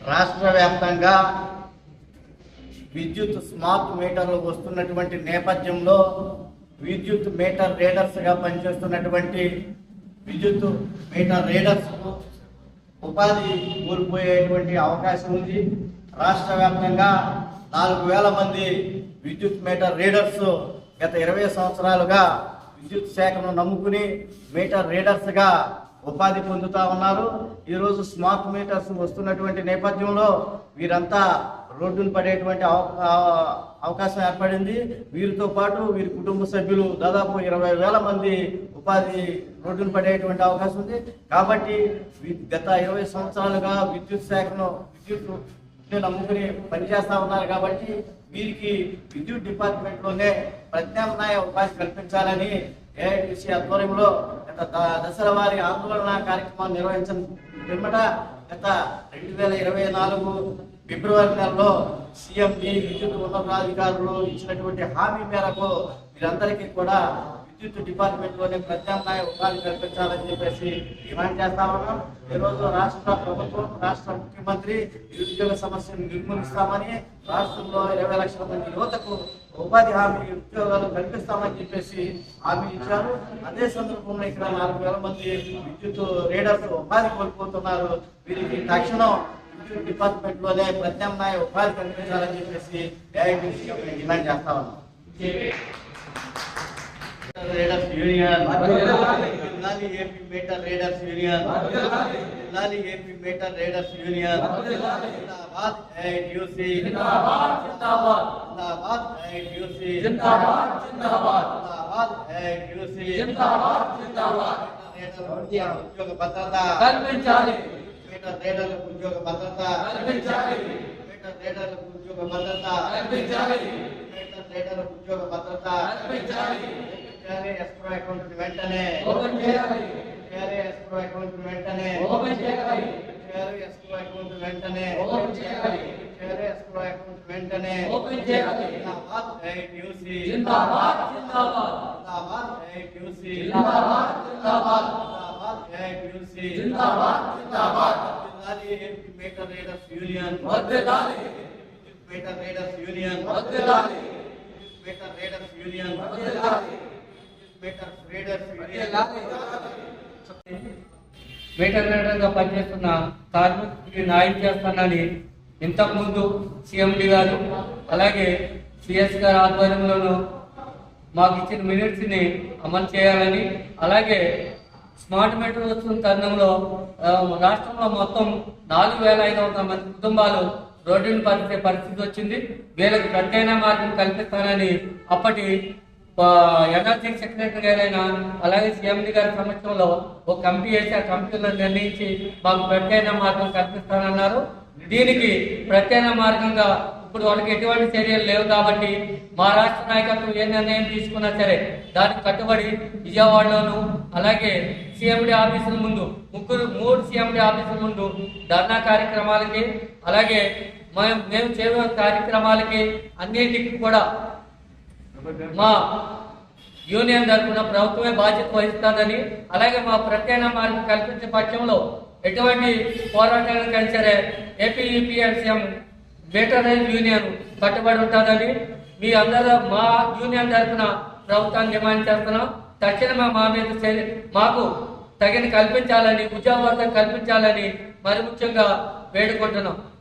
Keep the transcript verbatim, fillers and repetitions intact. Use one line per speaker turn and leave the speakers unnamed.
రాష్ట్ర వ్యాప్తంగా విద్యుత్ స్మార్ట్ మీటర్లు వస్తున్నటువంటి నేపథ్యంలో విద్యుత్ మీటర్ రీడర్స్గా పనిచేస్తున్నటువంటి విద్యుత్ మీటర్ రీడర్స్ ఉపాధి కోల్పోయేటువంటి అవకాశం ఉంది. రాష్ట్ర వ్యాప్తంగా నాలుగు వేల మంది విద్యుత్ మీటర్ రీడర్స్ గత ఇరవై సంవత్సరాలుగా విద్యుత్ శాఖను నమ్ముకుని మీటర్ రీడర్స్గా ఉపాధి పొందుతూ ఉన్నారు. ఈరోజు స్మార్ట్ మీటర్స్ వస్తున్నటువంటి నేపథ్యంలో వీరంతా రోడ్డును పడేటువంటి అవకాశం ఏర్పడింది. వీరితో పాటు వీరి కుటుంబ సభ్యులు దాదాపు ఇరవై వేల మంది ఉపాధి రోడ్డును పడేటువంటి అవకాశం ఉంది. కాబట్టి గత ఇరవై సంవత్సరాలుగా విద్యుత్ శాఖను విద్యుత్ నమ్ముకుని పనిచేస్తా ఉన్నారు. కాబట్టి వీరికి విద్యుత్ డిపార్ట్మెంట్లోనే ప్రత్యామ్నాయ ఉపాధి కల్పించాలని ఏఐటీసీ ఆధ్వర్యంలో గత దశల వారి ఆందోళన కార్యక్రమాన్ని నిర్వహించిన పిమ్మట గత రెండు వేల ఇరవై నాలుగు ఫిబ్రవరి నెలలో సీఎండి విద్యుత్ ఉన్నతాధికారులు ఇచ్చినటువంటి హామీ మేరకు వీరందరికీ కూడా విద్యుత్ డిపార్ట్మెంట్లోనే ప్రత్యామ్నాయ ఉపాధి కల్పించాలని చెప్పేసి డిమాండ్ చేస్తా ఉన్నాం. ఈరోజు రాష్ట్ర ప్రభుత్వం రాష్ట్ర ముఖ్యమంత్రి నిరుద్యోగ సమస్యను నిర్మూలిస్తామని రాష్ట్రంలో ఇరవై లక్షల మంది యువతకు ఉపాధి హామీ ఉద్యోగాలు కల్పిస్తామని చెప్పేసి హామీ ఇచ్చారు. అదే సందర్భంలో ఇక్కడ నాలుగు వేల మంది విద్యుత్ రీడర్స్ ఉపాధి కోల్పోతున్నారు. వీరికి తక్షణం విద్యుత్ డిపార్ట్మెంట్ లోనే ప్రత్యామ్నాయ ఉపాధి కల్పించాలని చెప్పేసి ఏఐటీసీ డిమాండ్ చేస్తా ఉన్నాం. రీడర్స్ యూనియన్ జిల్లాలి ఏపీ మీటర్ రీడర్స్ యూనియన్ జిల్లాలి ఏపీ మీటర్ రీడర్స్ యూనియన్ జిందాబాద్ ఏఐటీసీ జిందాబాద్ జిందాబాద్ జిందాబాద్ ఏఐటీసీ జిందాబాద్ జిందాబాద్ జిందాబాద్ ఏఐటీసీ జిందాబాద్ జిందాబాద్ ఉద్యోగ భద్రత కల్పించాలి. మీటర్ రీడర్లకు ఉద్యోగ భద్రత కల్పించాలి. మీటర్ రీడర్లకు ఉద్యోగ భద్రత కల్పించాలి. మీటర్ రీడర్లకు ఉద్యోగ భద్రత కల్పించాలి. ఎస్క్రో అకౌంట్ వెంటనే ఓపెన్ చేయాలి. ఎస్క్రో అకౌంట్ వెంటనే ఓపెన్ చేయాలి. ఎస్క్రో అకౌంట్ వెంటనే ఓపెన్ చేయాలి. ఎస్క్రో అకౌంట్ వెంటనే ఓపెన్ చేయాలి. జిందాబాద్ ఏఐటీసీ జిందాబాద్ జిందాబాద్ జిందాబాద్ ఏఐటీసీ జిందాబాద్ జిందాబాద్ జిందాబాద్ ఏఐటీసీ జిందాబాద్ జిందాబాద్ జిల్లాలి ఏపీ మీటర్ రీడర్స్ యూనియన్ వర్ధిల్లాలి. మీటర్ రీడర్స్ యూనియన్ వర్ధిల్లాలి. మీటర్ రీడర్స్ యూనియన్ వర్ధిల్లాలి.
మీటర్ రీడర్గా పనిచేస్తున్న కార్మికుడికి న్యాయం చేస్తానని ఇంతకుముందు సీఎండి గారు అలాగే సిఎస్ గారి ఆధ్వర్యంలోనూ మాకు ఇచ్చిన మినిట్స్ని అమలు చేయాలని, అలాగే స్మార్ట్ మీటర్ వస్తున్న తరుణంలో రాష్ట్రంలో మొత్తం నాలుగు వేల ఐదు వందల మంది కుటుంబాలు రోడ్డును పరిచే పరిస్థితి వచ్చింది. వీళ్ళకి ప్రత్యేక మార్గం కల్పిస్తానని అప్పటి ఎనర్జీ సెక్రటరీ గారైనా అలాగే సీఎండి గారి సమక్షంలో ఒక కమిటీ వేసి ఆ కమిటీలో నిర్ణయించి మాకు ప్రత్యేక మార్గం కల్పిస్తానన్నారు. దీనికి ప్రత్యేక మార్గంగా ఇప్పుడు వాళ్ళకి ఎటువంటి చర్యలు లేవు కాబట్టి మా రాష్ట్ర నాయకత్వం ఏ నిర్ణయం తీసుకున్నా సరే దానికి కట్టుబడి విజయవాడలోను అలాగే సీఎండి ఆఫీసుల ముందు ముగ్గురు మూడు సీఎండి ఆఫీసుల ముందు ధర్నా కార్యక్రమాలకి అలాగే మేము మేము చేయే కార్యక్రమాలకి అన్నింటికి కూడా మా యూనియన్ తరఫున ప్రభుత్వమే బాధ్యత వహిస్తుందని, అలాగే మా ప్రత్యేక మార్గం కల్పించే పక్షంలో ఎటువంటి పోరాటానికి సరే AP UPSM meter rail union కట్టుబడి ఉంటుందని మీ అందరూ మా యూనియన్ తరఫున ప్రభుత్వాన్ని డిమాండ్ చేస్తున్నాం. తక్షణమే మా మీద మాకు తగిన కల్పించాలని ఉద్యోగ కల్పించాలని మరి ముఖ్యంగా వేడుకుంటున్నాం.